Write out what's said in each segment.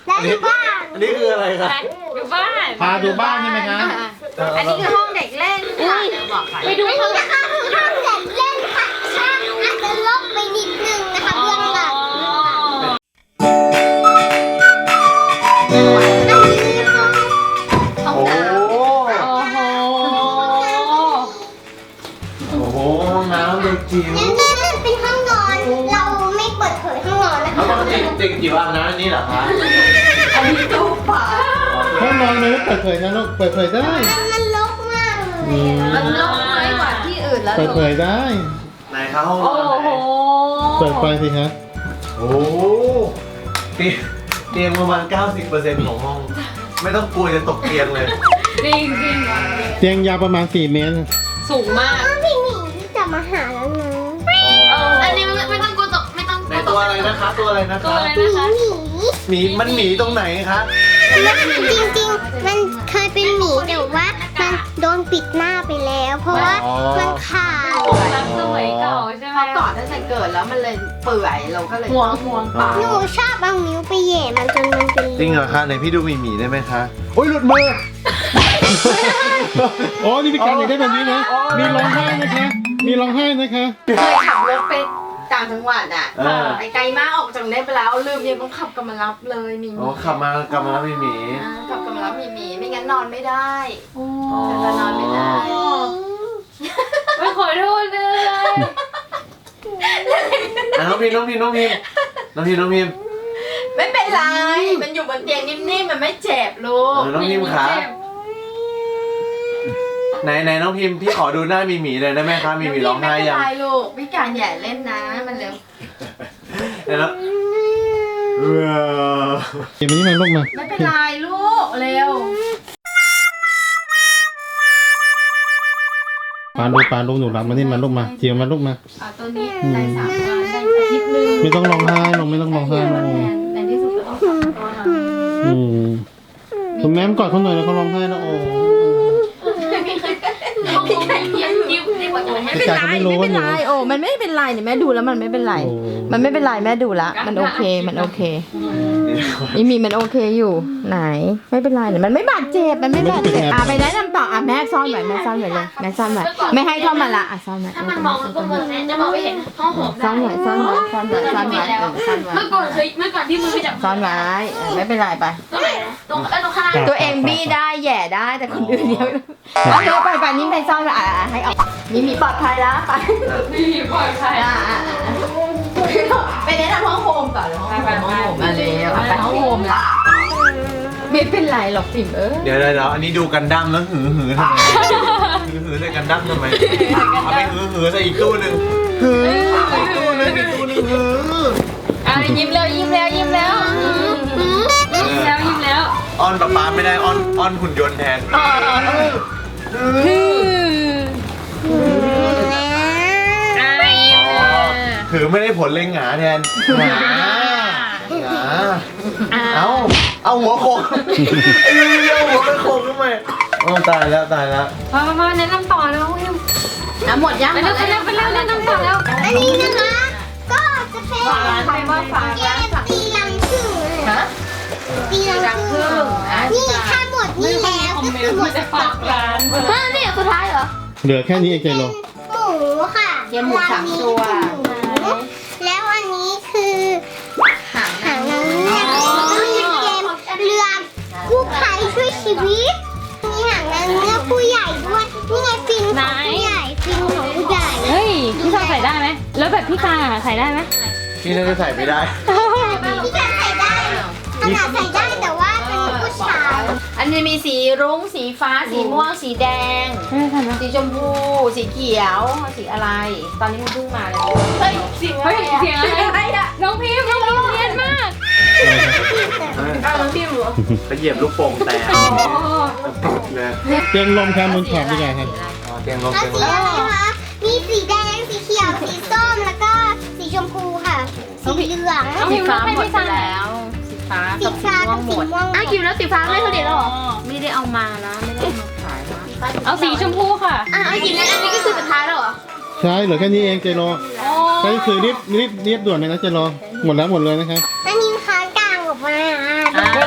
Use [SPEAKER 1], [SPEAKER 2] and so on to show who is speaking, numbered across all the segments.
[SPEAKER 1] และอยู่บ้าน
[SPEAKER 2] อันนี้คืออะไรครับ
[SPEAKER 3] อยู่บ้าน
[SPEAKER 4] พาดูบ้านใช่ไหมคะ
[SPEAKER 5] อันนี้คือห้องเด็กเล่นค่ะเดี๋ยวบอกก่อน
[SPEAKER 3] ไปดู
[SPEAKER 1] อัน
[SPEAKER 3] เขา
[SPEAKER 1] นี้นะคะคือห้องเด็กเล่นค่ะช่างอาจจะลบไปนิดนึงนะคะเบื้องหลัง
[SPEAKER 2] โอ้โห
[SPEAKER 3] โอ้โห
[SPEAKER 2] โอ้โหห้องน้ำเด็กจิ๋ว
[SPEAKER 1] นี่เป็นห้องนอน เราไม่เปิดเผยห้องนอนนะ
[SPEAKER 2] แล้ว
[SPEAKER 1] คะ
[SPEAKER 2] ปกติเด็กจิ๋วอาบน้ำอันนี้เหรอคะ
[SPEAKER 5] อันนี้ตู้ป่า
[SPEAKER 4] ห้องนอนเลยเปิดเผยนะลูกเปิดเผยได้
[SPEAKER 1] มันรกมากเลยอะ
[SPEAKER 5] มันลงน้อยกว่าที่อื่นแล้ว
[SPEAKER 4] เปิดเผยได้
[SPEAKER 2] ไหนคะห้องน
[SPEAKER 3] โอ้
[SPEAKER 2] อนไหน
[SPEAKER 3] โห
[SPEAKER 4] เปิดไฟสิคะ
[SPEAKER 2] โอ้โหเตียงประมาณ 90% ของห้อง ไม่ต้องกลัวจะตกเตียงเลย
[SPEAKER 3] จริงจริง
[SPEAKER 4] เตียงยาวประมาณ4 เมตร
[SPEAKER 3] สูงมาก
[SPEAKER 1] พี่หมีจะมาหาแล้วนะ
[SPEAKER 3] อันนี้ไม่ต้องกลัวตกไม่ต้อง
[SPEAKER 2] ไหนตัวอะไรนะคะตัวอะไรนะ
[SPEAKER 3] ตัว
[SPEAKER 2] คะ
[SPEAKER 3] อะไร
[SPEAKER 1] หมี
[SPEAKER 3] นะคะ
[SPEAKER 1] หมี
[SPEAKER 2] มันหมีตรงไหนคะ
[SPEAKER 1] จริงๆมันเคยเป็นหมีแต่ว่ามันโดนปิดหน้าไปแล้ว เพราะว่ามันขาด
[SPEAKER 3] รักสมัยเก่าใช่ไหม
[SPEAKER 5] เขาก่อนตั้งแต่เกิดแล้วมันเลยเปื่อยเราก็เลย
[SPEAKER 3] ห่วงปาก
[SPEAKER 1] หนูชอบเอานิ้วไปแหย่มันจนมันเป็น
[SPEAKER 2] จริงเหรอคะไหนพี่ดูหมีได้ไหมคะโอ้ยหลุดมือ
[SPEAKER 4] โอ้นี่มีการอยากได้แบบนี้นะ มีร้องไห้นะคะ มีร้องไห้นะคะ
[SPEAKER 5] เคยขับรถไปต่างจังหวัดอ่ะ
[SPEAKER 2] เออ
[SPEAKER 5] ไปไกลมากออกจากนี้ไปแล้วลืมยังต้องขับกลับมารับเลยมี
[SPEAKER 2] โอ้ขับมากลับมาแล้วหมี
[SPEAKER 5] ขับกลับมารับมีไม่งั้นนอนไม่ได้
[SPEAKER 3] โอ้
[SPEAKER 5] จะนอนไม่ได้
[SPEAKER 3] ไม่ขอโทษเลย
[SPEAKER 2] น้องพิมน้องพิม
[SPEAKER 5] ไม่เป็นไรมันอยู่บนเตียงนิ่มๆมันไม่เจ็บลูก
[SPEAKER 2] น้องพิมขาไหนน้องพิมพี่ขอดูหน้าหมีเลยได้ไหมคะหมีร้องไห้ยัง
[SPEAKER 5] ไม่เป็นไรลูกพี่การอย่าเล่นนะมันเร็ว
[SPEAKER 2] เดี๋ยวนะ
[SPEAKER 4] เก็บมันนี่มาลูกมา
[SPEAKER 5] ไม่เป็นไรลูกเร็ว
[SPEAKER 4] ปาลูกหนูรับมานี่มาลูกมาเจียวมาลูกมา
[SPEAKER 5] เอาตัวนี้ได้3 วันได้อาทิตย์นึง
[SPEAKER 4] ไม่ต้องร้องไห้ลงไม่ต้องร้องไห้ลง
[SPEAKER 5] ในที่สุดก็ต้องกลับตัวนะ
[SPEAKER 4] คุณแม่กอดเขาหน่อยแล้วเขาร้องไห้แล้วโอ้
[SPEAKER 3] ยิ้มดีกว่าไม่
[SPEAKER 4] พี่กายเขาไม่รู้ว่าหนู
[SPEAKER 5] โอ้มันไม่เป็นไรเนี่ยแม่ดูแล้วมันไม่เป็นไร มันไม่เป็นไรแม่ดูละมันโอเคมันโอเคมีมันโอเคอยู่ไหนไม่เป็นไรเนี่ยมันไม่บาดเจ็บมันไม่บาดเจ็บไปแนะนำต่อแม่ซ่อนไว้เลยแม่ซ่อนไว้ไม่ให้เข้ามาละซ่อนไว้
[SPEAKER 3] ถ้ามันมองมันก็มองแน่จะบอกไม่เห็นห้องหอม
[SPEAKER 5] ซ่อนไว้ซ่อนไว้ซ่อนไว้ซ่อนไว้ซ่อนไว้
[SPEAKER 3] เมื่อก่อนที่มือไปจับ
[SPEAKER 5] ซ่อนไว้ไม่เป็นไรไป
[SPEAKER 3] ตรงไหนนะตรงข้างล่าง
[SPEAKER 5] ตัวเองบี้ได้แย่ได้แต่คนอื่นเดียวเอาเลยไปนี่ไปซ่อนไว้ให้ออกมีปลอดภัยแล้วไป
[SPEAKER 3] นี่ปล่อยใคร
[SPEAKER 5] ไปแนะนำห้องโฮมก่อนเลยห้องโฮมมาเลยไปห้องโฮมละไม่เป็นไรหรอกปิ่ม
[SPEAKER 2] เดี๋ยวอันนี้ดูกันดั้มแล้วหือทำไมหือใส่กันดั้มทำไมเอาไปหือใส่อีกตู้หนึ่งหืออีกตู้หนึ่งหือ
[SPEAKER 3] ยิ้มแล้ว
[SPEAKER 2] อ้อนป๊าไม่ได้อ้อนหุ่นยนต์แทน ถือไม่ได้ผลเลยหงาแทนหงาเอาหัวโขกเอาหัวไปโขกทำไมโอ้ตายแล้ว
[SPEAKER 3] มาแนะนำต่อแล้วพิม
[SPEAKER 5] หมดยัง
[SPEAKER 3] ไปแล้วแนะนำต่อแล้ว
[SPEAKER 1] อันนี้นะคะก็จะเป็น
[SPEAKER 5] ใครว่าฝาก
[SPEAKER 1] เกมตีลังครึ่งเลย
[SPEAKER 5] ฮะ
[SPEAKER 1] ตีลังครึ่งนี่ถ้าหมดนี่แล้วก็คือหมดสต็อก
[SPEAKER 3] ร้าน
[SPEAKER 5] นี่สุดท้ายเหรอ
[SPEAKER 4] เหลือแค่นี้เองใจโล
[SPEAKER 1] หมูค่ะ
[SPEAKER 5] เกมหมู3 ตัว
[SPEAKER 1] แล้วอันนี้คือหางนางเงือกแล้วก็มีเกมเรือกู้ภัยช่วยชีวิตมีหางนางเงือกผู้ใหญ่ด้วยนี่ไงฟินของผู้ใหญ่ฟินของผู้ใหญ่
[SPEAKER 3] เฮ้ยพี่ชายใส่ได้ไหมแล้วแบบพี่ตาใส่ได้ไหม
[SPEAKER 2] พี่น่าจะใส่ไม่ได้
[SPEAKER 1] พี่การใส่ได้ขนาดใส่ได้แต่ว่าเป็นผู้ชาย
[SPEAKER 5] อันนี้มีสีรุ้งสีฟ้าสีม่วงสีแดง สีชมพูสีเขียวสีอะไร ตอนนี้มันเพิ่งมาเลยเฮ้ยเสียงอะไรอะ
[SPEAKER 3] น้องพิมเรียนมาก
[SPEAKER 5] น้องพิมเหรอ
[SPEAKER 2] ไปเหยียบลูกโป่งแตกเลย
[SPEAKER 4] เตียงลมแคมบนขอบพี่กายครับ
[SPEAKER 2] เตียงลม
[SPEAKER 1] แล้วสีอะไรคะมีสีแดงสีเขียวสีส้มแล้วก็สีชมพูค่ะสีเหลือง
[SPEAKER 5] สีฟ้าหมดไปแล้ว สีฟ้า
[SPEAKER 1] สีฟ้ากับสีม่วง
[SPEAKER 3] อ้าวกินแล้วสีฟ้าไม่เขาเด็ดหรอ
[SPEAKER 5] ไม่ได้เอามานะไม่ได้มาขายนะ
[SPEAKER 3] เอาสีชมพูค่ะ
[SPEAKER 1] ไอ้กินแล้วอันนี้ก็คือสุดท้ายแล้วเหรอ
[SPEAKER 4] ใช่เหลือแค่นี้เองใจโลใช่คือรีบด่วนเลยนะใจโลหมดเลยนะครับ
[SPEAKER 1] อันนี้ค้างกลางออกมา
[SPEAKER 3] เว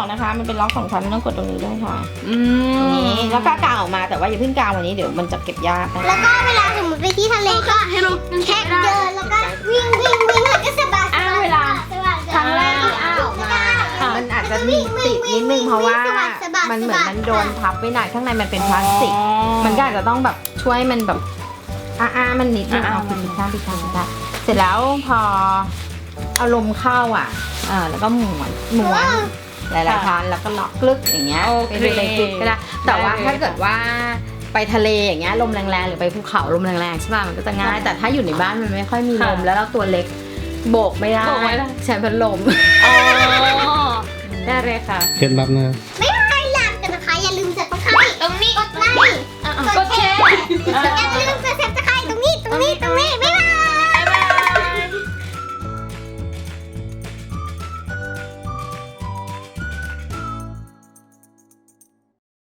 [SPEAKER 5] นะคะ มันเป็นล็อก2 ชั้นไม่ต้องกดตรงนี้ด้วยค่ะ
[SPEAKER 3] อืม
[SPEAKER 5] นี่แล้วก็กางออกมาแต่ว่าอย่าเพิ่งกางวันนี้เดี๋ยวมันจะเก็บยากนะ
[SPEAKER 1] แล้วก็เวลาสมมติไปที่ทะเลก็แค่เดินแล้วก็วิ่งแล้วก็สะบัด
[SPEAKER 5] เวลาครั้งแรกที่อ้าออกมา มันอาจจะมีติดนิดนึงเพราะว่ามันเหมือนมันโดนพับไว้หน่อยข้างในมันเป็นพลาสติก มันก็อาจจะต้องแบบช่วยมันแบบมันนิดนึงเอาผิดข้างเสร็จแล้วพอเอาลมเข้าแล้วก็ม้วนหลายๆครั้งแล้วก็ล็อกกลึกอย่างเงี้ยเป็นเลยกลึกก็ได้แต่ว่าถ้าเกิดว่าไปทะเลอย่างเงี้ยลมแรงๆหรือไปภูเขาลมแรงๆใช่ป่ะมันก็จะง่ายแต่ถ้าอยู่ในบ้านมันไม่ค่อยมีลมแล้วเราตัวเล็กโบกไม่ได้ใช้พัดลม
[SPEAKER 3] อ๋อได้เลยค่ะ
[SPEAKER 4] เคล็ดลับนะ
[SPEAKER 1] ไม่ให้ลามกันนะคะอย่าลืมสับตะไคร้ตรงนี้กดไลค์
[SPEAKER 3] กดแชร์
[SPEAKER 1] อย่าลืมสับตะไคร้ตรงนี้ไม่